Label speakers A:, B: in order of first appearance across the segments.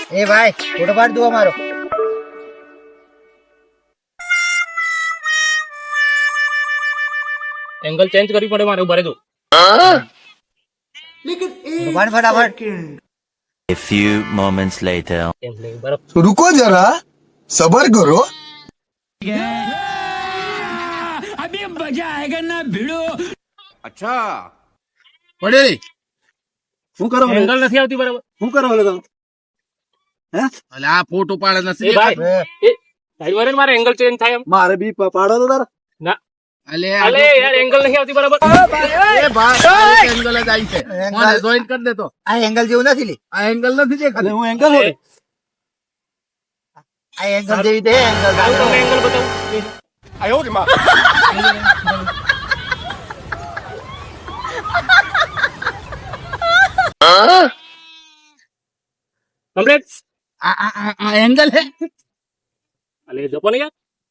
A: એ ભાઈ ફોટો પાડ દો અમારો.
B: એંગલ ચેન્જ કરવી પડે મારે ઉભા રહેજો.
A: પાડ ફટાફટ.
C: A few moments later.
B: એમ નહીં બરાબર.
D: रुको जरा सबर करो.
E: પડેલી શું કરો
B: એંગલ નથી આવતી બરાબર.
E: શું કરો તમે અલે આ ફોટો પાડે
B: એ
E: નથી
B: ભાઈ એ સાઈડ વાળે મારે એંગલ ચેન્જ થાય એમ.
E: મારે બી પાડો તો તારા
B: ના
E: અલે
B: અલે યાર એંગલ નથી આવતી બરાબર.
E: એ ભાઈ એંગલ જ આવી છે મને જોઈન કરી દેતો
A: આ એંગલ જેવું નથી લી.
E: આ એંગલ નથી દેખાતું હું એંગલ
B: એ,
A: આ એંગલ જેવી દે એંગલ.
B: હું તમને એંગલ બતાવું. કમ્પ્લીટ.
E: આ એંગલ હે
B: અલે જપો ને યાર.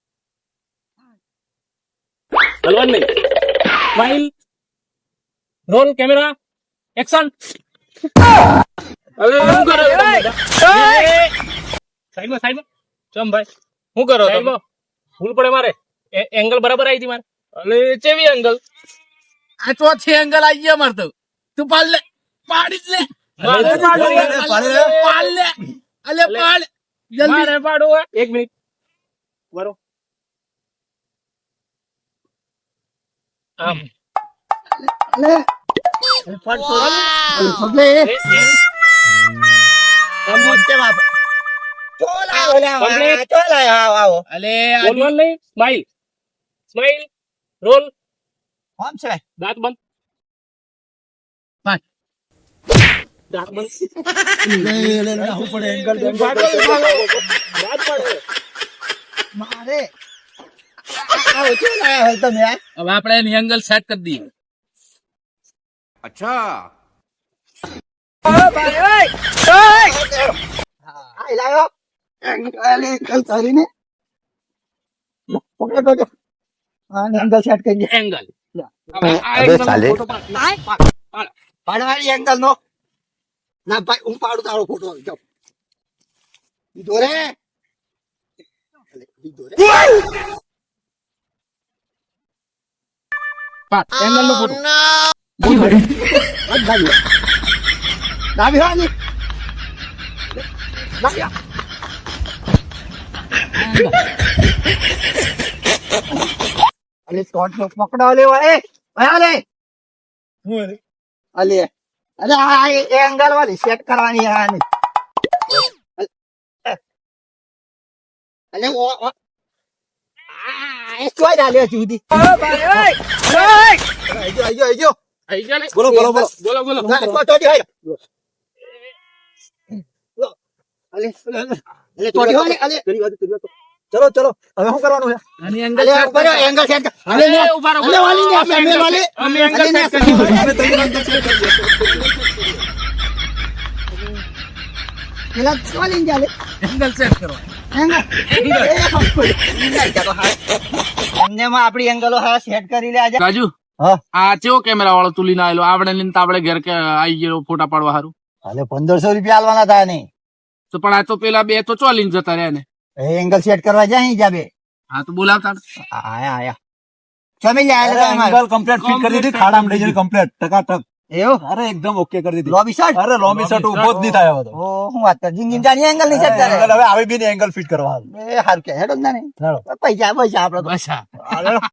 B: હલવાન નહીં. Smile roll camera action. હવે શું કરો છો તમે બધા? સાઈડમાં ચમ ભાઈ શું કરો તમે? ભૂલ પડે મારે એંગલ બરાબર આવી હતી મારે. અલે ચેવી એંગલ?
E: આ ચોથી એંગલ આવી ગયા મારતો તું પાડ લે પાડી જ લે
B: મારે પાડો.
E: પાડ લે અલે પાડ જલ્દી
B: મારે પાડો. એક મિનિટ બરો આમ
A: પગલે
B: એ, એ.
A: મોટે બાપ. ચોલ આવો લે આવો.
B: Complete.
A: ચોલ આવો આવો.
E: અલે
B: બોલવાનું નહીં. સ્માઈલ રોલ
A: કોણ છે?
B: દાંત બંધ.
E: પાંચ.
B: દાંત બંધ.
E: હું પડે એંગલ
B: દાંત પાડે.
A: મારે આવો ચોલ આવો તમે યાર.
E: હવે આપણે એની એંગલ સેટ કરી દઈએ
A: આ લાયો એંગલ કરીને પકડો પકડો. આ એંગલ સેટ કરી દે.
B: એંગલ
C: અબે સાલે.
A: પાડવાની એંગલ નો ના ભાઈ હું પાડું તારો ફોટો જાવ લીધો રે લીધો રે.
E: એંગલ નો ફોટો
A: ડાબી હાલી ડાબી અલે સ્કોટ નો પકડો લેવા એ ભયા લે અલે અરે આ એંગલ વાળી સેટ કરવાની આની અલે ઓ આ એ ચોઈ ડાલ્યો જુદી આજો આજો આજો
B: આઈ ગયા ને?
E: બોલો બોલો બોલો
B: બોલો
A: ના ટોટી હોય અલે અલે ટોટી હોય અલે
D: चलो चलो હવે શું કરવાનું છે?
E: આની એંગલ
A: અલે
E: સેટ
A: ઉપર એંગલ સેટ અલે
B: અરે ઉભા રહો.
A: અલે વાલી ને સામે વાલી
B: અમે એંગલ સેટ
A: પેલા વાલી જાલે
E: એંગલ સેટ કરો
A: એંગલ અમને માં આપણી એંગલો હા સેટ કરી લે આજે.
E: રાજુ
A: હા
E: આ ચેવો કેમેરા વાળો તું લઈને આવેલો આપણે લઈને તો આપણે ઘેર કે આવી ગયો ફોટા પાડવા સારું
A: અલે 1500 રૂપિયા આલવાના હતા ને
E: તો પણ આ તો પેલા બે તો ચો લઈને જતા રહ્યા ને
A: એ એંગલ સેટ કરવા જાય જાબે
E: હા તો બોલાવતા
A: આયા આયા ચમી લે આલે
D: एंगल कंप्लीट फिट कर दी थी खाड़ा में डीजल कंप्लीट टकाटक
A: એવો
D: अरे एकदम ओके कर दी थी
A: લોબી શર્ટ
D: अरे लॉमी शर्ट उभो જ નહીં થાય હવે તો
A: ઓ હું વાત કર જિંદગી જાની એંગલ ની સેટ કરે
D: એંગલ હવે આવી બી નહીં એંગલ ફિટ કરવા
A: એ હારું કે હેડો જ ના ને પૈસા પૈસા આપડે તો.
E: બસ હા
D: હાલો